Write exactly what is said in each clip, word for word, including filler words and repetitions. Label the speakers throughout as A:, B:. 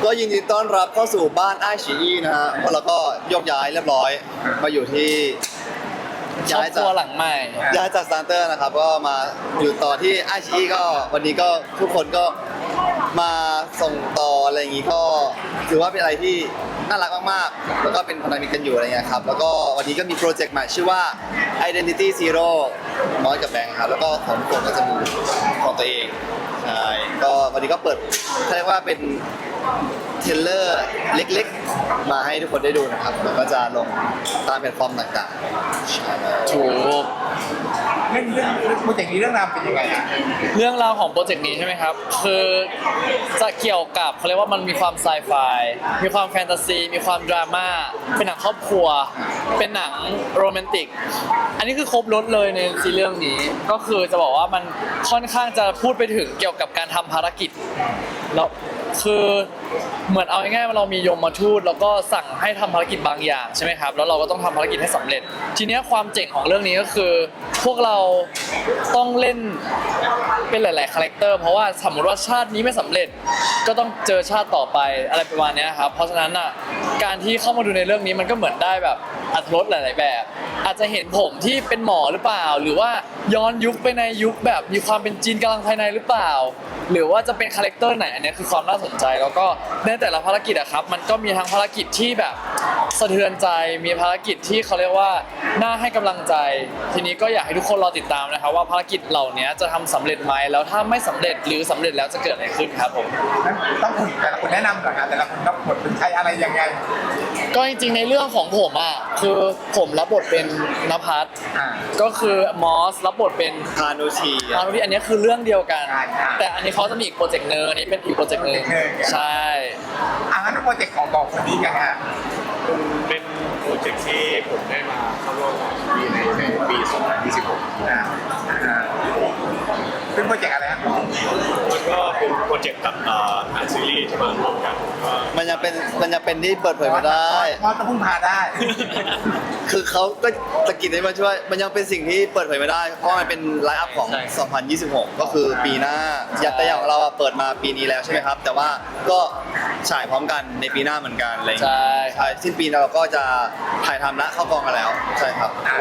A: ก็ยินดีต้อนรับเข้าสู่บ้านไอชีอีนะฮะแล้วก็ยกย้ายเรียบร้อยมาอยู่ที่
B: ครอบครัวหลังใหม่
A: ย้ายจากสตาร์เตอร์นะครับก็มาอยู่ต่อที่ไอชีอีก็วันนี้ก็ทุกคนก็มาส่งต่ออะไรอย่างงี้ก็ถือว่าเป็นอะไรที่น่ารักมากๆแล้วก็เป็นพันธมิตรกันอยู่อะไรเงี้ยครับแล้วก็วันนี้ก็มีโปรเจกต์ใหม่ชื่อว่า Identity Zero น้อยกับแบงค์ครับแล้วก็ของทุกคนก็จะมีของตัวเองใช่ก็วันนี้ก็เปิดเขาเรียกว่าเป็นเทรลเลอร์เล็กๆมาให้ทุกคนได้ดูนะครับแล้วก็จะลงตามแพลตฟอร์มต่างๆใช่
B: ถูก
C: เรื่องเรื่องเรื่องโปรเจกต์นี้เรื่องราวเป็นยังไงอ่ะ
B: เรื่องราวของโปรเจกต์นี้ใช่ไหมครับ คือจะเกี่ยวกับเขาเรียกว่ามันมีความไซไฟ มีความแฟนตาซี มีความดราม่า เป็นหนังครอบครัว เป็นหนังโรแมนติก อันนี้คือครบรถเลยในซีรีส์เรื่องนี้ ก็คือจะบอกว่ามันค่อนข้างจะพูดไปถึงเกี่ยวกับการทำภารกิจแล้วคือเหมือนเอาง่ายๆว่าเรามียมมาทูตแล้วก็สั่งให้ทำภารกิจบางอย่างใช่ไหมครับ แล้วเราก็ต้องทำภารกิจให้สำเร็จ ทีเนี้ยความเจ๋งของเรื่องนี้ก็คือ พวกเราต้องเล่นเป็นหลายๆคาแรคเตอร์เพราะว่าสมมติว่าชาตินี้ไม่สำเร็จ ก็ต้องเจอชาติต่อไปอะไรประมาณเนี้ยครับ เพราะฉะนั้นอ่ะการที่เข้ามาดูในเรื่องนี้มันก็เหมือนได้แบบอรรถรสหลาย ๆ แบบ อาจจะเห็นผมที่เป็นหมอหรือเปล่า หรือว่าย้อนยุคไปในยุคแบบมีความเป็นจีนกำลังภายในหรือเปล่า หรือว่าจะเป็นคาแรคเตอร์ไหนอันนี้คือความน่าสนใจแล้วก็ในแต่ละภารกิจอะครับมันก็มีทั้งภารกิจที่แบบสะเทือนใจมีภารกิจที่เขาเรียกว่าน่าให้กำลังใจ ทีนี้ก็อยากให้ทุกคนรอติดตามนะครับว่าภารกิจเหล่านี้จะทำสำเร็จไหมแล้วถ้าไม่สำเร็จหรือสำเร็จแล้วจะเกิดอะไรขึ้นครับผม
C: งั้นต้องคุณแต่ละคนแนะนำก่อนนะแต่ละคนรับบทเป็นใครอะไรยังไง
B: ก็จริงๆในเรื่องของผมอ่ะคือผมรับบทเป็นนภัส
C: อ่า
B: ก็คือมอสรับบทเป็น
A: พานุชี
B: อานุที่อันนี้คือเรื่องเดียวกัน
C: ใช่ใช่
B: แต่อันนี้เขาจะมีอีกโปรเจกต์หนึงอันนี้เป็นอีกโปรเจกต์หนึง
C: โปรเจกต์หนึ่ง
B: ใช่
C: อ่างั้นโปรเจกต์ของบอกคนนี้กันฮะ
D: เป็นโปรเจกต์ที่ผมได้มาเข้าร่วมกับปีในในปี สองพันยี่สิบหก
C: อ่าอ่าเป็นโปรเจกต์อะไรฮะ
D: มันก็เป็นโปรเจกต์กับอ่าอ่านซีรีส์ที่มาร่วมกันก็
A: มันยังเป็นมันยังเป็นที่เปิดเผยไม่ได้
C: มอสต้องพึ่งพาได้
A: คือเขาก็ตะกิดให้มาช่วย มันยังเป็นสิ่งที่เปิดเผยไม่ได้ เพราะมันเป็นไลฟ์อัพของ
B: ใช่
A: สองพันยี่สิบหก ก็คือปีหน้าอย่างแต่อย่างของเราอะเปิดมาปีนี้แล้วใช่ไหมครับ แต่ว่าก็ฉายพร้อมกันในปีหน้าเหมือนกันอะไรอย่าง
B: ใช่
A: เงี้ยใช่สิ้นปีเราก็จะถ่ายทำและเข้ากองกันแล้ว ใช่ครับ
C: อ่า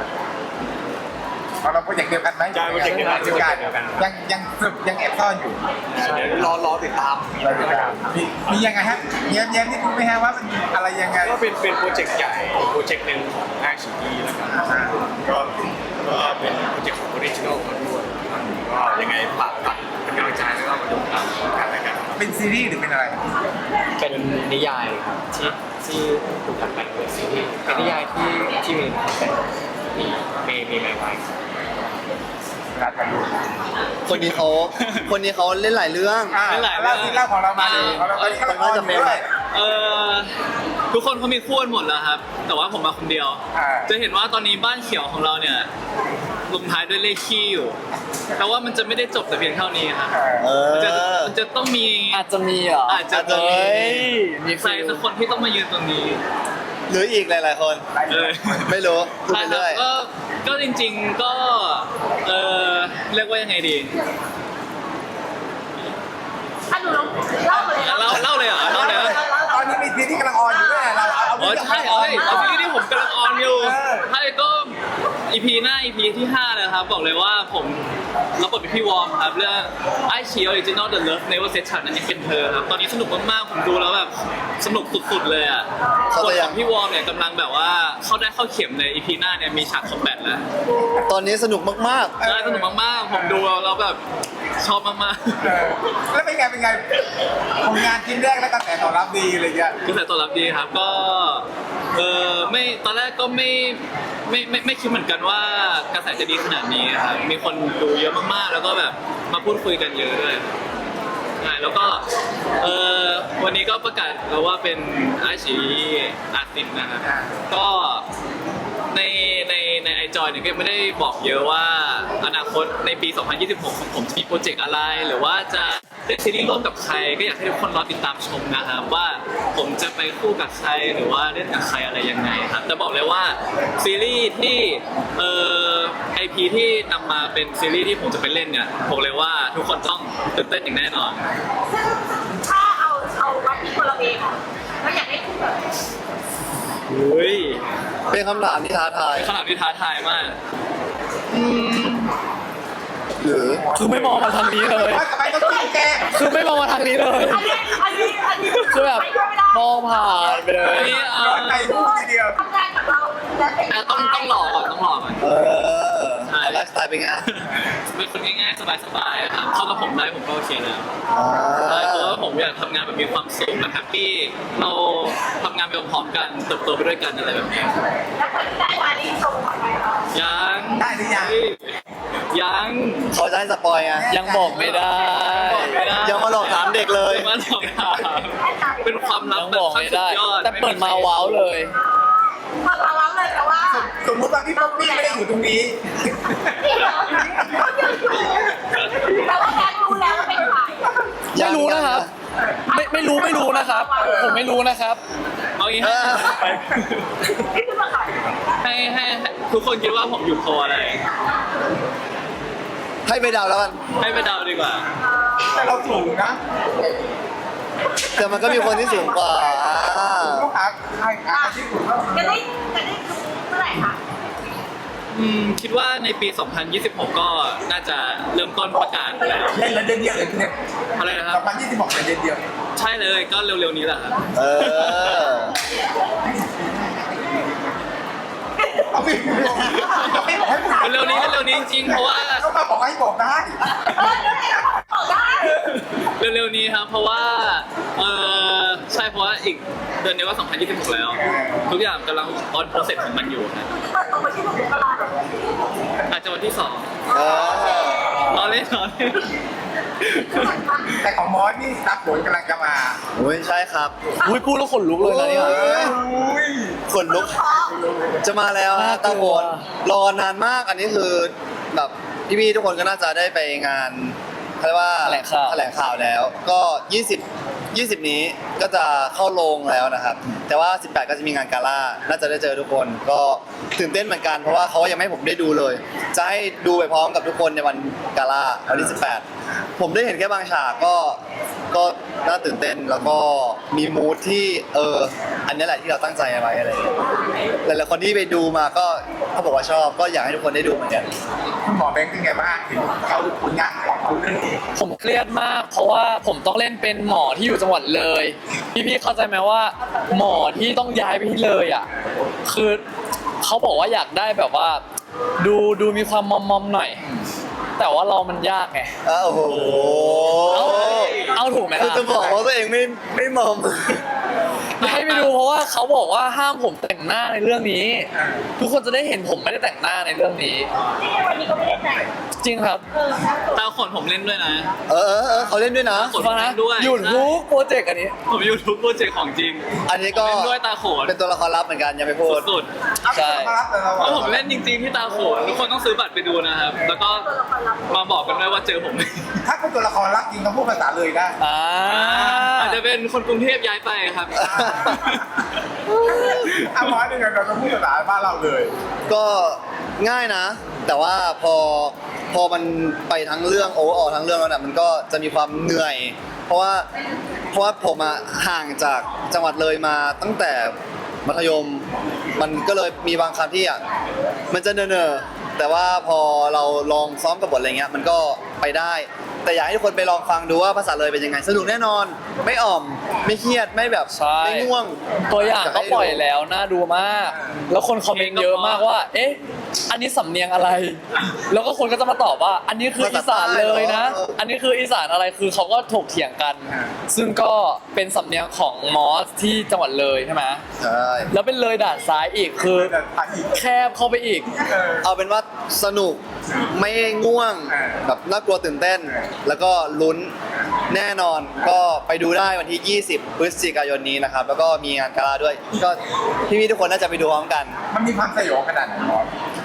C: เราโปรเจกต์เดียวกันไหม
D: ใช่โปรเจกต์เดียวกัน
C: เดียวกัน
D: เดียวกัน
C: ยังยังสืบยังแอบซ่อนอยู่
D: เดี๋ยวรอรอติดตาม
C: เราติดตามมีมียังไงฮะแย้มแย้มที่คุณไหมฮะว่ามันอะไรยังไง
D: ก็เป็นเป็นโปรเจกต์ใหญ่โปรเจกต์หนึ่งของไอซีดีแล้วกันก็ก็เป็นโปรเจกต์ของออริจินอลมาด้วยก็ยังไงฝากฝากเป็นกำลังใจแล้วก็มาดูตามกันแล้วกัน
C: เป็นซีรีส์หรือเป็นอะไร
E: เป็นนิยายครับที่ที่ถูกดัดแปลงเป็นซีรีส์เป็นนิยายที่ที่มีคอนเซ็ปต์มีมีมีไมไว้
C: รัดกันดู
A: คนนี้เขาคนนี้เขาเล่นหลายเรื่อง
C: อ่าเล่าที่เล่าของเรามาดิของเราตอนนี้ก็ละครอยู่ด้วย
F: เออทุกคนเขามีคู่กันหมดแล้วครับ แต่ว่าผมมาคนเดียว
C: อ่า
F: จะเห็นว่าตอนนี้บ้านเขียวของเราเนี่ยลงท้ายด้วยเลขคี่อยู่แต่ว่ามันจะไม่ได้จบแต่เพียงเท่านี้ครับ
A: เอ
F: มันจะ
A: อ
F: มันจะต้องมี
B: อาจจะมีเหรอ
F: อาจจะ
A: จะมี
B: เฮ้ยมี
F: ใครสักคนที่ต้องมายืนตรงนี้
A: หรืออีกหลายๆคน
F: เออ
A: ไม่รู้พูด
F: ใช่
A: ไป
F: ครับ
A: เรื่อย
F: ก็ก็จริง ๆก็เออเรียกว่ายังไงดี
G: ถ้าดูแล้วเล่าเลย
F: เล่าเล่าเลยเหรอเล่าเลยเหรอ
C: ตอนนี้มีซีรีส์กำลังออนอยู่ด้วยเราเอาเอา
F: อ๋อใช่เอ้ยซีรีส์ที่ผมกำลังออนอยู่ใช่ก็ อี พี หน้า อี พี ที่ห้าเลยครับบอกเลยว่าผมรับบทเป็นพี่วอร์มครับเรื่องไอชีออริจินอลเดอะเลิฟเนเวอร์เซชันนั่นเองเป็นเธอครับตอนนี้สนุกมากๆผมดูแล้วแบบสนุกสุดๆเลยอ่ะ
A: เขา
F: บท
A: จะ
F: ข
A: ยั
F: อง งพี่วอร์มเนี่ยกำลังแบบว่าเข้าได้เข้าเข็มใน อี พี หน้าเนี่ยมีฉากคอมแบทแล้ว
A: ตอนนี้สนุกมาก
F: ใช่สนุกมากๆผมดูแล้วแบบชอบมาก
C: เออแล้วเป็นไงเป็นไงผลงานชิ้นแรกแล้วกระแสตอบรับดีอะไรเงี้ย
F: ๆกระแสตอบรับดีครับก็เออไม่ตอนแรกก็ไม่ไม่ไม่ไม่คิดเหมือนกันว่ากระแสจะดีขนาดนี้ครับมีคนดูเยอะมากๆ แล้วก็แบบมาพูดคุยกันเยอะด้วยใช่แล้วก็เออวันนี้ก็ประกาศแล้วว่าเป็นอาชีอาร์ติสนะครับก็ในในในไอจอยเนี่ยก็ไม่ได้บอกเยอะว่าอนาคตในปี สองพันยี่สิบหก ของผมจะมีโปรเจกต์อะไร หรือว่าจะเล่นซีรีส์ร่วมกับใคร ก็อยากให้ทุกคนรอติดตามชมนะครับว่าผมจะไปคู่กับใครหรือว่าเล่นกับใครอะไรยังไงครับแต่บอกเลยว่าซีรีส์ที่เอ่อไอพีที่นำมาเป็นซีรีส์ที่ผมจะไปเล่นเนี่ยบอกเลยว่าทุกคนต้องตื่นเต้นอย่างแน่นอน
G: ซึ่งถ้าเอาเอาวัดที่คน
A: เป็นคำถามที่ท้าทาย
F: เป็นขนาดที่ท้าทายมาก
A: หรือ
B: คือไม่มองมาทางนี้เลย
C: ว่าทำไมต้องจิ้มแก
B: คือไม่มองมาทางนี้เลย
G: อันนี้อันนี้อันนี้
B: คือแบบมองผ่านไปเลย
F: อันนี้เอา
C: ใจพูดทีเดียว
G: ทำงานกับเราแล้วเป็น
F: แต่ต้องต้องหล่อก่อนต้องหล่อก่อน
A: เออไลฟ์สไตล์เป็นไง
F: เป็นคนง่ายๆสบายๆครับเข้ากับผมได้ผมก็โอเคแล้ว
A: อ่า
F: ใช่เพราะว่าผมอยากทำงานแบบมีความสุขแบบแฮปปี้เราทำงานไปพร้อมๆกันเติบโตไปด้วยกันอะไรแบบนี้
G: แล้วคนที่ได้มานี่ส่งไปเหรอ
F: ยัง
C: ได้หรือยัง
F: ยัง
A: เขาจะให้สปอยไง
B: ยังบอกไม่ได้
A: ยังมาหลอกถามเด็กเลย
F: มาหลอกถามเป็นความลับ
B: ยัง
F: แบบ
B: บอก
F: ขั้น
B: ไม่
F: สุ
B: ได้
F: ดยอด
B: แต่เปิดมาว้าวเลย
G: พอเราเล่าเลยแต่ว่า
C: สมมติว่าพี่ป๊อปปี้ไม่ได้อยู่ตรงนี้
G: พี่เหรอเขายังอยู่แต่ว่าแกรู้แล้วว่าเป็นใคร
B: ไม่รู้นะครับ ไม่ไม่รู้ไม่รู้นะครับ ผมไม่รู้นะครับ
F: เอางี้
A: เอ
F: ให้
A: อ
G: นี่คือมาขาย
F: ให้ให้ให้ทุกคนคิดว่าผมอยู่โพลอะไร
A: ให้ไปเดาแล้วกัน
F: ให้ไปเดาดีกว่า
C: แต่เราสูงนะ
A: แต่มันก็มีคนที่สูงกว่าอ่า
C: ต้องหาใครหาที่สูงแล้ว
G: จะได้จะได้เมื่อไหร่คะ
F: อืมคิดว่าในปี สองพันยี่สิบหก ก็น่าจะเริ่มต้นประกาศแล้ว
C: เล่นแล้วเดือนเดียวเลยเนี่ย
F: อะไรนะค
C: ส
F: รั
C: อบ งพันยี่สิบหกเป็นเดือนเดียว
F: ใช่เลยก็เร็วๆนี้แหละครับ
A: เออ
C: เอาไปเอาไปบอกให้พูด
F: เร็วๆนี้เร็วๆนี้จริงๆเพราะว่า
C: เขามาบอกให้บอกได้
G: เออเดี๋ยวไหนก็บอกได้
F: เร็วๆนี้ครับเพราะว่าเออใช่เพราะว่าอีกเดือนนี้ก็สองพันยี่สิบหกแล้ว ทุกอย่างกำลังออนโปรเซสของมันอยู่ครับ
G: เปิดตัวมาที่หนุ่มตลาด
F: อาจจะวันที่สอง
A: เออ
F: รอเล่นรอเล่น
C: แต่ของมอสนี่รับผลกำลังจะมา
A: โอ้ยใช่ครับ
B: อุ้ยพูดแล้วขนลุกเลยนะเนี่ย
C: อุ้ย
A: ขนลุก จะมาแล้วฮะ
B: น่ากลัว
A: ตาโวนรอนานมาก อันนี้คือแบบพี่ๆทุกคนก็น่าจะได้ไปงานเขาเรียกว่า
B: แถลงข่าว
A: แถลงข่าวแล้ว ก็ยี่สิบ ยี่สิบนี้ก็จะเข้าโรงแล้วนะครับ แต่ว่าสิบแปดก็จะมีงานกาล่าน่าจะได้เจอทุกคน ก็ตื่นเต้นเหมือนกันเพราะว่าเขายังไม่ให้ผมได้ดูเลย จะให้ดูไปพร้อมกับทุกคนในวันกาล่าวันที่สิบแปดผมได้เห็นแค่บางฉากก็ก็น่าตื่นเต้นแล้วก็มีมูทที่เอออันนี้แหละที่เราตั้งใจเอาไว้อะไรอย่างเงี้ยหลายๆคนที่ไปดูมาก็เขาบอกว่าชอบก็อยากให้ทุกคนได้ดูเหมือนกัน
C: คุณหมอแบงค์เป็นไงบ้างถึงเขาผลงานของคุณเรื่องนี้
B: ผมเครียดมาก เพราะว่าผมต้องเล่นเป็นหมอที่อยู่จังหวัดเลย พี่ๆเข้าใจไหมว่า หมอที่ต้องย้ายไปที่เลยอ่ะ คือเขาบอกว่าอยากได้แบบว่า ดูดูมีความมอมมอมๆหน่อย แต่ว่าเรามันยากไง
A: อ้าวโอ้โห
B: เอาเอาถูกไหม
A: คือ
B: ล่ะ
A: จะบอกว่าตัวเองไม่ไม่มอม
B: ให้ไปดูเพราะว่าเขาบอกว่าห้ามผมแต่งหน้าในเรื่องนี้ ทุกคนจะได้เห็นผมไม่ได้แต่งหน้าในเรื่องนี้
G: นี่วันนี้ก็ไม่ได้แต่ง
B: จริงครับ
G: เออครับ
F: ตาขนผมเล่นด้วยนะ
A: เออเออเออเขาเล่นด้วยนะ
F: ขน
B: ฟังนะ
F: ด้วย
B: หยุดทุกโปรเจกต์อันนี้
F: ผมยูทูบโปรเจกต์ของจริง
A: อันนี้ก็
F: เล่นด้วยตาโขน
A: เป็นตัวละครลับเหมือนกันยังไม่พูด
F: สุด
C: เอาไปสัมภาษณ์แต่เรา
F: ๆเพราะผมเล่นจริงๆที่ตาโขนทุกคนต้องซื้อบัตรไปดูนะครับ แล้วก็มาบอกกันด้วยว่าเจอผม
C: ถ้าเป็นตัวละครรักจริงต้องพูดภาษาเลยได้
B: อ่า
F: อาจจะเป็นคนกรุงเทพย้ายไปครับ
C: เอาหมอหนึ่งเราต้องพูดภาษาบ้านเราเลย
A: ก็ง่ายนะ แต่ว่าพอพอมันไปทั้งเรื่องโอเวอร์ออทั้งเรื่องแล้วเนี่ยมันก็จะมีความเหนื่อย เพราะว่าเพราะว่าผมอะห่างจากจังหวัดเลยมาตั้งแต่มัธยม มันก็เลยมีบางคำที่อ่ะมันจะเนอๆแต่ว่าพอเราลองซ้อมกับบทอะไรเงี้ยมันก็ไปได้ แต่อยากให้ทุกคนไปลองฟังดูว่าภาษาเลยเป็นยังไงสนุกแน่นอน ไม่อ่อมไม่เครียดไม่แบบ
B: ใช่
A: ไม่ง่วง
B: ตัวอย่างก็ปล่อยแล้วน่าดูมาก แล้วคนคอมเมนต์เยอะมากว่า เอ๊ะ อันนี้สำเนียงอะไร แล้วก็คนก็จะมาตอบว่า อันนี้คืออีสานเลยนะ อันนี้คืออีสานอะไร คือเขาก็ถกเถียงกัน ซึ่งก็เป็นสำเนียงของมอสที่จังหวัดเลยใช่ไหม
A: ใช่
B: แล้วเป็นเลยด่านซ้ายอีก คือ
C: แต่ภาษาอีก
B: แคบเข้าไปอีก
C: เออ
A: เอาเป็นว่าสนุกไม่ง่วง
C: อ่า
A: แบบน่ากลัวตื่นเต้น แล้วก็ลุ้นแน่นอนก็ไปดูได้วันที่ ยี่สิบ พฤศจิกายนนี้นะครับ แล้วก็มีงานกาลาด้วย ก็พี่ๆทุกคนน่าจะไปดูพร้อมกัน
C: มันมีความสยองขนาดไหนหมอ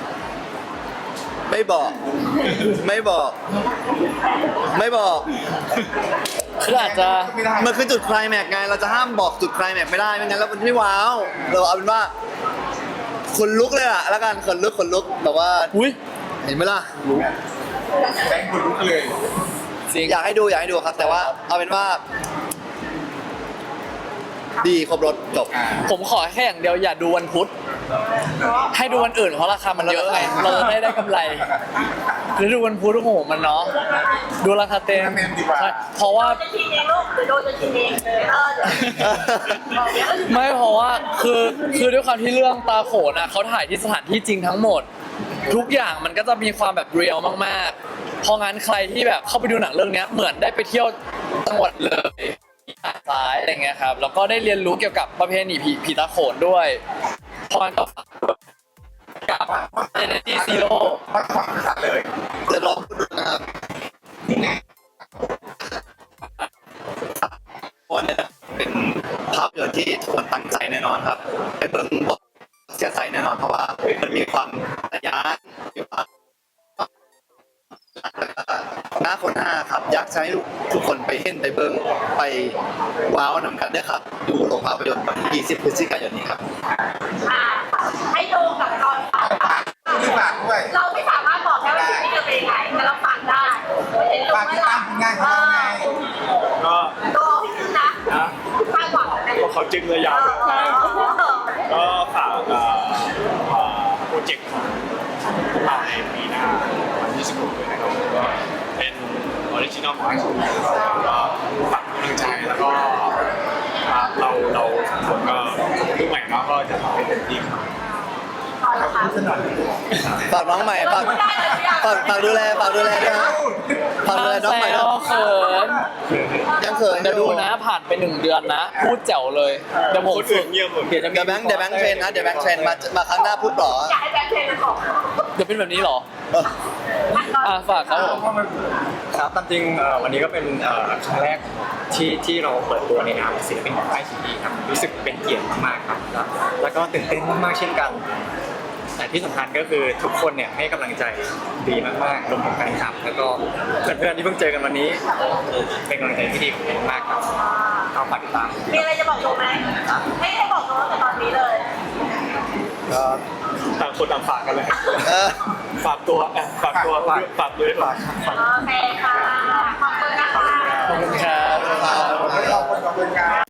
A: ไม่บอก ไม่บอก ไม่บอก
B: คืออาจจะ
C: ไม่ได้
A: มันคือจุดไคลแม็กซ์ไง เราจะห้ามบอกจุดไคลแม็กซ์ไม่ได้ไม่งั้นแล้วมันไม่ว้าว เราเอาเป็นว่าขนลุกเลยอะแล้วกันขนลุกขนลุกแบบว่า
B: อุ้ย
A: เห็นไหมล่ะ
C: แบงค์คุณลุกเลย
B: จริง
A: อยากให้ดูอยากให้ดูครับ แต่ว่าเอาเป็นว่า ดีครบรถจบ
C: อ่า
B: ผมขอแค่อย่างเดียวอย่าดูวันพุธให้ดูวันอื่นเพราะราคามันเยอะไงเราจะได้ได้กำไรหรือดูวันพุธโอ้โหมันเนาะดูราคาเต็ม
C: เต็มดีกว่า
B: ใช่เพราะว่า
G: จะกินเองลูกหรือโดนจะกินเองเออเดี๋ยวบอกเดี๋ยว
B: ไม่เพราะว่าคือคือด้วยความที่เรื่องตาโขนอ่ะเขาถ่ายที่สถานที่จริงทั้งหมด ทุกอย่างมันก็จะมีความแบบเรียลมากๆเพราะงั้นใครที่แบบเข้าไปดูหนังเรื่องเนี้ยเหมือนได้ไปเที่ยวจังหวัดเลยหาดทรายอะไรเงี้ยครับแล้วก็ได้เรียนรู้เกี่ยวกับประเพณีผีผีตาโขนด้วยเพราะงั้นก็ฝากกับ Energy Zero
C: มาฟังภาษาเลย
A: จะลองพูดดูนะครับวันนี้เป็นภาพยนตร์ที่ทุกคนตั้งใจแน่นอนครับไปเบิ่งบทเสียใจแน่นอนเพราะว่ามันมีความทะยานมีความหน้าคนหน้าครับอยากให้ทุกคนไปเห็นไปเบิ่งไปว้าวนำกันด้วยครับดูโรงภาพยนตร์วันที่ยี่สิบพฤศจิกายนนี้ครับ
G: อ่าให้ดูกับตอนฝาก
C: ที่ฝากด้วย
G: เราไม่สามารถบอกได้ว่าชีวิตจะเป็นยังไงแต่เราฝากได้เห็นดู
C: ฝากติดตามผลงานของเราไง
D: ก็
G: ตัวพี่คือนะคาดหวังอะไร
D: ก็เขาจึงเลยยาวเลยก็ฝากเอ่อเอ่อโปรเจกต์ของพวกเราในปีหน้าวันที่สิบหกด้วยนะครับก็เป็นออริจินอลของไอซ์ก็ฝากกำลังใจแล้วก็เราเราผมก็รุ่นใหม่เนาะก็จะทำให้เต็มที่ครับ
A: ฝากน้องใหม่ฝากฝากฝากดูแลฝากดูแลด้วยนะฝากดูแลน้องใหม่
B: แซ
A: นะ
B: วเขิน
A: ยังเขิน
B: เดี๋ยวดูนะผ่านไปหนึ่งเดือนนะ พูดแจ๋วเลยเดี๋ยวผม
D: คนอื่นเงียบหมด
B: เดี๋ยวจะมี
A: เดี๋ยวแบงค์เดี๋ยวแบงค์เทรนนะเดี๋ยวแบงค์เทรนมามาครั้งหน้าพูดหรอ
G: อยากให้แบงค์เทรนมันบอก
B: เดี๋ยวเป็นแบบนี้เหรออ่ะฝากครับผม
E: ครับตามจริงเอ่อวันนี้ก็เป็นเอ่อครั้งแรกที่ที่เราเปิดตัวในนามศิลปินของไอซีดีครับรู้สึกเป็นเกียรติมากๆครับแล้วแล้วก็ตื่นเต้นมากๆเช่นกัน แต่ที่สำคัญก็คือทุกคนเนี่ยให้กำลังใจดีมากๆรวมถึงแฟนคลับแล้วก็เพื่อนๆที่เพิ่งเจอกันวันนี้เป็นกำลังใจที่ดีของผมมากๆครับก็ฝากติดตาม
G: มีอะไรจะบอกโดไหมไม่ให้บอกโดแต่ตอนนี้เลย
E: ก็
D: ต่างคนต่างฝากกันเลย
A: เออ
D: ฝากตัวเอ่อฝากตัวฝากฝากด้วยฝากฝาก
G: โอเคค่ะขอบคุณนะคะ
B: ขอบคุณครับ